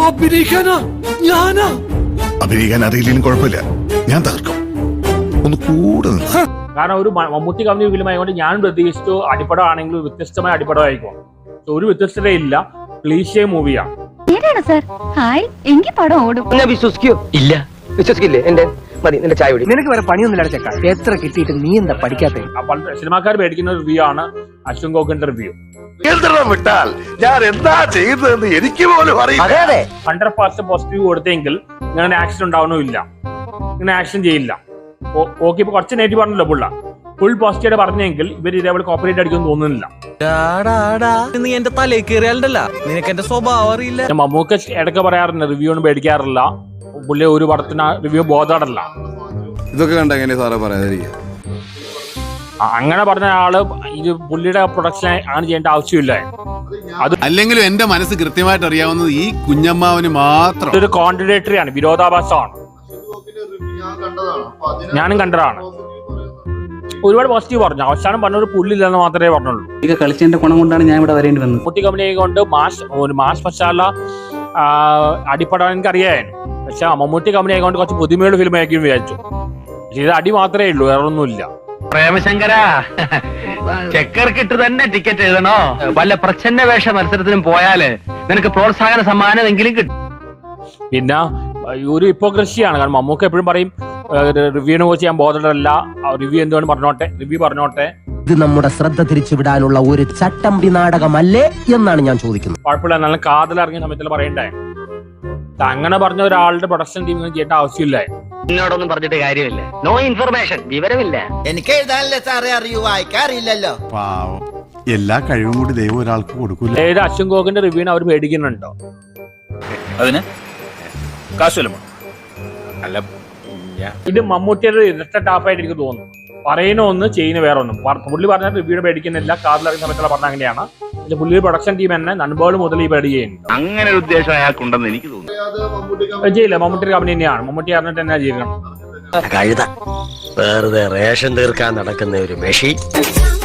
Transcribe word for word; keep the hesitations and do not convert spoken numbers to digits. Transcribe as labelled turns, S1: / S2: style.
S1: അഭിനയിക്കാനാ ഞാനാ അഭിനയിക്കാൻ അറിയില്ലെങ്കിലും കുഴപ്പമില്ല, ഞാൻ തകർക്കും. ഒന്ന് കൂടെ
S2: കാരണം ഒരു മമ്മൂട്ടി കമ്പനി ഫിലിമായതുകൊണ്ട് ഞാൻ പ്രതീക്ഷിച്ചു അടിപ്പടം ആണെങ്കിലും വ്യത്യസ്തമായ അടിപ്പടം ആയിരിക്കും. ഒരു വ്യത്യസ്തതയില്ല, ക്ലീശേ മൂവിയാണ്.
S3: വിശ്വസിക്കോ? ഇല്ല, വിശ്വസിക്കില്ലേ? എന്റെ മതി, നിന്റെ ചായ കുടി. നിനക്ക് വേറെ പണിയൊന്നുമില്ല ചെക്ക. എത്ര കിട്ടിയിട്ട് നീ എന്താ പഠിക്കാത്ത?
S2: സിനിമാക്കാർ മേടിക്കുന്ന റിവ്യൂ ആണ് അശ്വിൻ ഗോകിന്റെ റിവ്യൂ.
S1: വിട്ടാൽ ഞാൻ എന്താ ചെയ്തതെന്ന് എനിക്ക് പോലും അറിയില്ല.
S2: ഹൺഡ്രഡ് പെർസെന്റ് പോസിറ്റീവ് കൊടുത്തെങ്കിൽ ഇങ്ങനെ ആക്ഷൻ ഉണ്ടാവണമില്ല, ഇങ്ങനെ ആക്ഷൻ ചെയ്യില്ല. ഓക്കെ, ഇപ്പൊ കുറച്ച് നെഗറ്റീവ് പറഞ്ഞല്ലോ പുള്ള. ഫുൾ പോസിറ്റീവ് പറഞ്ഞെങ്കിൽ ഇവർ ഇതേപോലെ കോപ്പറേറ്റ് അടിക്കുമെന്ന് തോന്നുന്നില്ല.
S4: നീ എന്റെ തലയിൽ കയറിയാലല്ല, നിനക്ക് എന്റെ സ്വഭാവം അറിയില്ല.
S2: മമ്മൂക്ക ഇടയ്ക്ക് പറയാറുണ്ട് റിവ്യൂ ഒന്നും പേടിക്കാറില്ല, പുള്ളി ഒരു പടത്തിന് റിവ്യൂ ബോധമല്ല.
S5: ഇതൊക്കെ കണ്ട എങ്ങനെ സാറേ പറയാതിരിക്കുക?
S2: അങ്ങനെ പറഞ്ഞ ആള് ഇത് പുള്ളിയുടെ പ്രൊഡക്ഷൻ ആണ് ചെയ്യേണ്ട ആവശ്യമില്ല. അത്
S5: അല്ലെങ്കിലും എന്റെ മനസ്സ് കൃത്യമായിട്ട് അറിയാവുന്നത് ഈ കുഞ്ഞമ്മാവന് മാത്രം.
S2: ഒരു കോൺട്രഡിക്ടറി ആണ്, വിരോധാഭാസമാണ്. ഞാനും കണ്ടതാണ്. ഒരുപാട് പോസിറ്റീവ് പറഞ്ഞു, അവസാനം പറഞ്ഞ ഒരു പുള്ളില്ലെന്ന് മാത്രമേ പറഞ്ഞുള്ളൂ.
S6: ഇത് കളിച്ചതിന്റെ ഗുണം കൊണ്ടാണ് ഞാൻ ഇവിടെ വരേണ്ടി വന്നത്.
S2: മമ്മൂട്ടി കമ്പനി കൊണ്ട് മാസ് ഒരു മാസ് മസാല അടിപ്പെടാൻ എനിക്ക് അറിയാമായിരുന്നു. പക്ഷെ മമ്മൂട്ടി കമ്പനി ആയതുകൊണ്ട് കുറച്ച് പുതുമയുള്ള ഫിലിം ആയിരിക്കും വിചാരിച്ചു. ഇത് അടി മാത്രമേ ഉള്ളൂ, വേറെ ഒന്നുമില്ല.
S3: പ്രേമശങ്കര, ചെക്കർക്കിട്ട് തന്നെ ടിക്കറ്റ് എഴുതണോ? വല്ല പ്രച്ഛന്ന വേഷ മത്സരത്തിനും പോയാല് നിനക്ക് പ്രോത്സാഹന സമ്മാനമെങ്കിലും കിട്ടും.
S2: പിന്നെ ഒരു ഹിപ്പോക്രസിയാണ്. കാരണം മമ്മൂക്ക എപ്പോഴും പറയും റിവ്യൂവിനെ കുറിച്ച് ഞാൻ ബോധമല്ല, റിവ്യൂ എന്തുകൊണ്ട് പറഞ്ഞോട്ടെ, റിവ്യൂ പറഞ്ഞോട്ടെ.
S7: ഇത് നമ്മുടെ ശ്രദ്ധ തിരിച്ചുവിടാനുള്ള ഒരു ചട്ടമ്പി നാടകമല്ലേ എന്നാണ് ഞാൻ ചോദിക്കുന്നത്.
S2: കുഴപ്പമില്ല, നല്ല കാതലിറങ്ങിയ സമയത്തിൽ പറയണ്ടേ. അങ്ങനെ പറഞ്ഞ ഒരാളുടെ പ്രൊഡക്ഷൻ ടീം ചെയ്യേണ്ട ആവശ്യമില്ല.
S3: എന്നോടൊന്നും പറഞ്ഞിട്ട് കാര്യമില്ല. നോ ഇൻഫർമേഷൻ, വിവരമില്ല.
S8: എനിക്ക് എഴുതാനല്ലേ സാറേ അറിയൂ, വായിക്കാറില്ലല്ലോ.
S5: എല്ലാ കഴിവും കൂടി ദൈവം ഒരാൾക്ക് കൊടുക്കൂല.
S2: ഏത് അശ്വിൻ ഗോകിന്റെ റിവ്യൂവിന് അവർ മേടിക്കുന്നുണ്ടോ?
S1: അതിന് കാശുവല്ലോ അല്ല.
S2: ഇത് മമ്മൂട്ടിയുടെ ഇരട്ട ടാപ്പായിട്ട് എനിക്ക് തോന്നുന്നു. പറയുന്ന ഒന്ന് ചെയ്യുന്ന വേറെ ഒന്നും. പുള്ളി പറഞ്ഞ റിവ്യൂടെ മേടിക്കുന്നില്ല, കാറിലിറങ്ങുന്ന സമയത്തുള്ള പറഞ്ഞ അങ്ങനെയാണ്. പുള്ളി പ്രൊഡക്ഷൻ ടീം തന്നെ നൻപോൾ മുതൽ ഈ പേടി ചെയ്യുന്നു.
S1: അങ്ങനെ ഒരു ഉദ്ദേശം അയാൾക്കുണ്ടെന്ന് എനിക്ക് തോന്നുന്നു.
S2: ചെയ്യില്ല, മമ്മൂട്ടി കമ്പനി തന്നെയാണ്. മമ്മൂട്ടി അറിഞ്ഞിട്ട് തന്നെ ചെയ്യണം.
S3: കഴുത വെറുതെ റേഷൻ തീർക്കാൻ നടക്കുന്ന ഒരു മെഷീൻ.